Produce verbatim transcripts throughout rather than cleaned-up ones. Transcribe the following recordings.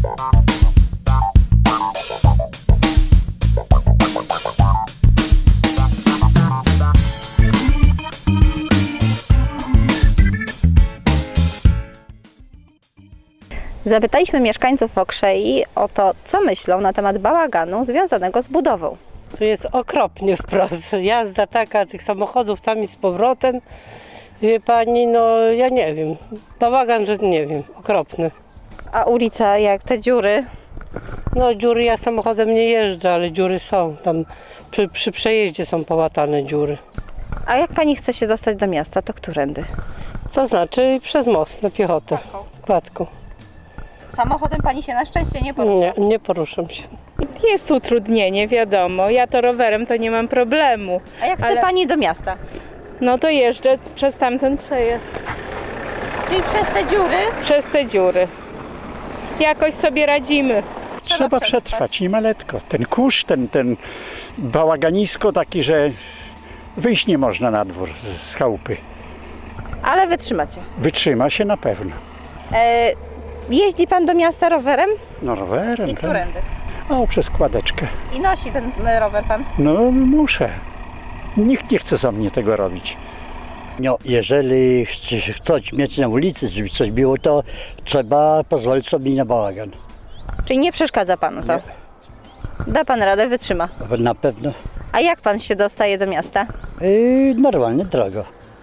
Zapytaliśmy mieszkańców Okrzei o to, co myślą na temat bałaganu związanego z budową. To jest okropnie wprost. Jazda taka tych samochodów tam i z powrotem. Wie pani, no ja nie wiem. Bałagan, że nie wiem, okropny. A ulica, jak te dziury? No dziury, ja samochodem nie jeżdżę, ale dziury są. Tam przy, przy przejeździe są połatane dziury. A jak pani chce się dostać do miasta, to którędy? To znaczy przez most na piechotę. Kładką. Samochodem pani się na szczęście nie porusza. Nie, nie poruszam się. Jest utrudnienie, wiadomo. Ja to rowerem to nie mam problemu. A jak chce ale- pani do miasta? No to jeżdżę przez tamten przejazd, Czyli przez te dziury? przez te dziury. Jakoś sobie radzimy. Trzeba przetrwać, nie ma letko. Ten kurz, ten, ten bałaganisko taki, że wyjść nie można na dwór z chałupy. Ale wytrzymacie. Wytrzyma się na pewno. E, jeździ pan do miasta rowerem? No rowerem, I tak. którędy? O, przez kładeczkę. I nosi ten e, rower pan? No muszę. Nikt nie chce za mnie tego robić. No, jeżeli chce- chcesz mieć na ulicy, żeby coś było, to trzeba pozwolić sobie na bałagan. Czyli nie przeszkadza panu to? Da pan radę, wytrzyma. Na pewno. A jak pan się dostaje do miasta? Yy, normalnie drogo.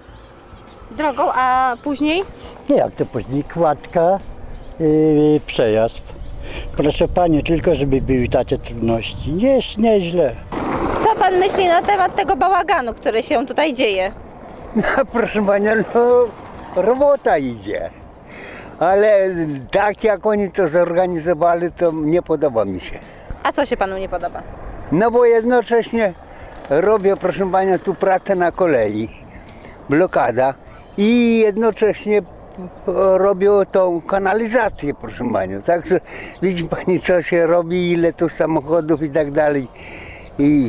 Drogą, a później? Nie jak to później, kładka, yy, przejazd. Proszę Pani, tylko żeby były takie trudności. Nie jest nieźle. Co pan myśli na temat tego bałaganu, który się tutaj dzieje? No, proszę Pana, no robota idzie, ale tak jak oni to zorganizowali, to nie podoba mi się. A co się panu nie podoba? No bo jednocześnie robię, proszę Pana, tu pracę na kolei, blokada i jednocześnie robią tą kanalizację, proszę Panią. Także widzi Pani, co się robi, ile tu samochodów i tak dalej. I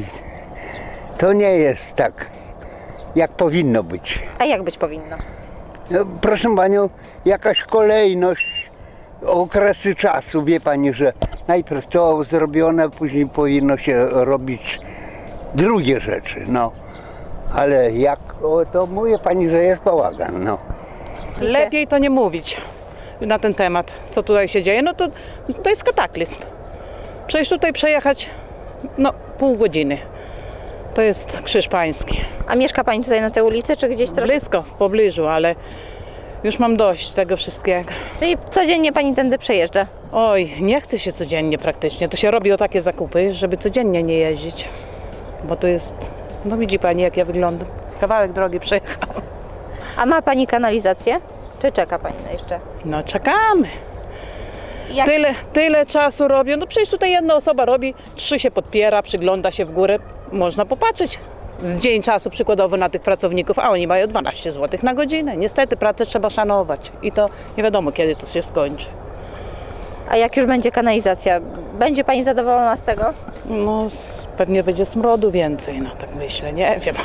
to nie jest tak, jak powinno być. A jak być powinno? No, proszę Panią, jakaś kolejność, okresy czasu, wie Pani, że najpierw to zrobione, później powinno się robić drugie rzeczy, no. Ale jak, o, to mówię Pani, że jest bałagan, no. Lepiej to nie mówić na ten temat, co tutaj się dzieje. No to, to jest kataklizm. Przecież tutaj przejechać no, pół godziny. To jest Krzyż Pański. A mieszka pani tutaj na tej ulicy, czy gdzieś troszkę? Blisko, w pobliżu, ale już mam dość tego wszystkiego. Czyli codziennie pani tędy przejeżdża? Oj, nie chce się codziennie praktycznie. To się robi o takie zakupy, żeby codziennie nie jeździć. Bo to jest, no widzi pani jak ja wyglądam. Kawałek drogi przejechałam. A ma pani kanalizację? Czy czeka pani na jeszcze? No czekamy. Jak... Tyle, tyle czasu robią. No przecież tutaj jedna osoba robi, trzy się podpiera, przygląda się w górę. Można popatrzeć z dzień czasu przykładowo na tych pracowników, a oni mają dwanaście złotych na godzinę. Niestety pracę trzeba szanować i to nie wiadomo kiedy to się skończy. A jak już będzie kanalizacja, będzie pani zadowolona z tego? No s- pewnie będzie smrodu więcej, no tak myślę, nie wiem.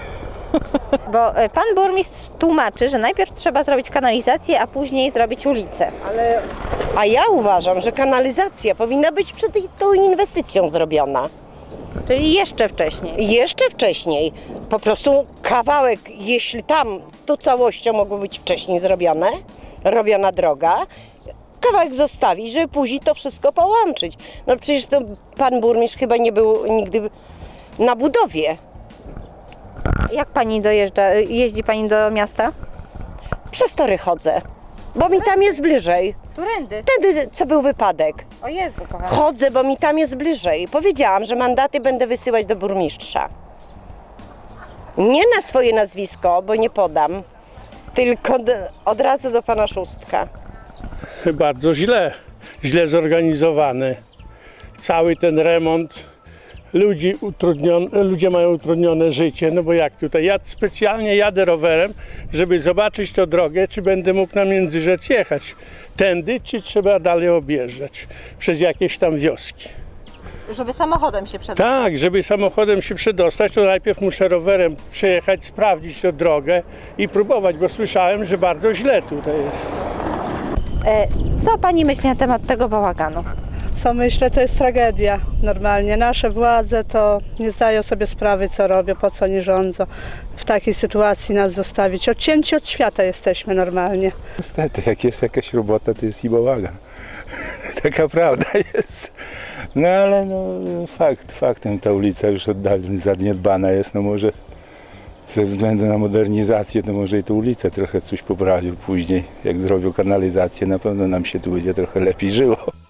Bo e, pan burmistrz tłumaczy, że najpierw trzeba zrobić kanalizację, a później zrobić ulicę. A ja uważam, że kanalizacja powinna być przed tą inwestycją zrobiona. Czyli jeszcze wcześniej. Jeszcze wcześniej. Po prostu kawałek, jeśli tam to całością mogło być wcześniej zrobione, robiona droga, kawałek zostawić, żeby później to wszystko połączyć. No przecież to pan burmistrz chyba nie był nigdy na budowie. Jak pani dojeżdża? Jeździ pani do miasta? Przez tory chodzę, bo mi tam jest bliżej. Którędy? Wtedy, co był wypadek. O Jezu, kochana. Chodzę, bo mi tam jest bliżej. Powiedziałam, że mandaty będę wysyłać do burmistrza. Nie na swoje nazwisko, bo nie podam, tylko do, od razu do pana Szóstka. Bardzo źle, źle zorganizowany. Cały ten remont, ludzi utrudnione, ludzie mają utrudnione życie, no bo jak tutaj, ja specjalnie jadę rowerem, żeby zobaczyć tę drogę, czy będę mógł na Międzyrzec jechać tędy, czy trzeba dalej objeżdżać przez jakieś tam wioski. Żeby samochodem się przedostać. Tak, żeby samochodem się przedostać, to najpierw muszę rowerem przejechać, sprawdzić tę drogę i próbować, bo słyszałem, że bardzo źle tutaj jest. E, Co pani myśli na temat tego bałaganu? Co myślę, to jest tragedia normalnie. Nasze władze to nie zdają sobie sprawy, co robią, po co nie rządzą. W takiej sytuacji nas zostawić. Odcięci od świata jesteśmy normalnie. Niestety, jak jest jakaś robota, to jest i bałagan. Taka prawda jest. No ale no, fakt, faktem ta ulica już od dawna zaniedbana jest. No może ze względu na modernizację, to może i tę ulicę trochę coś poprawił później. Jak zrobią kanalizację, na pewno nam się tu będzie trochę lepiej żyło.